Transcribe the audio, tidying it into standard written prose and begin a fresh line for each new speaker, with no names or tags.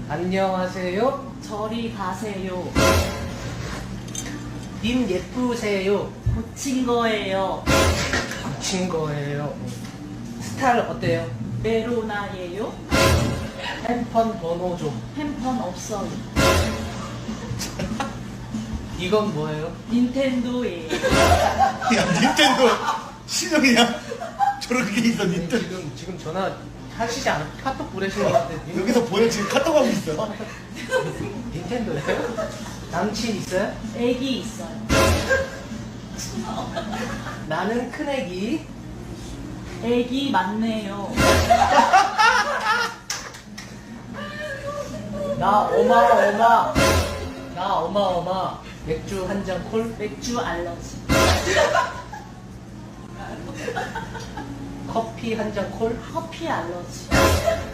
안녕하세요.
저리 가세요.
님 예쁘세요.
고친 거예요.
고친 거예요. 스타일 어때요?
메로나예요.
핸폰 번호 좀.
핸폰 없어요.
이건 뭐예요?
닌텐도예요.
야, 닌텐도 신형이야? 저렇게 있어, 닌텐도.
지금 전화 하시지 않아? 카톡 보내시는 것 같은데.
여기서 보여, 지금 카톡 하고 있어.
닌텐도예요? 남친 있어요?
애기 있어요.
나는 큰애기.
애기 맞네요.
나 어마어마. 나 어마어마. 맥주 한 잔 콜.
맥주 알러지.
커피 한 잔 콜.
커피 알러지.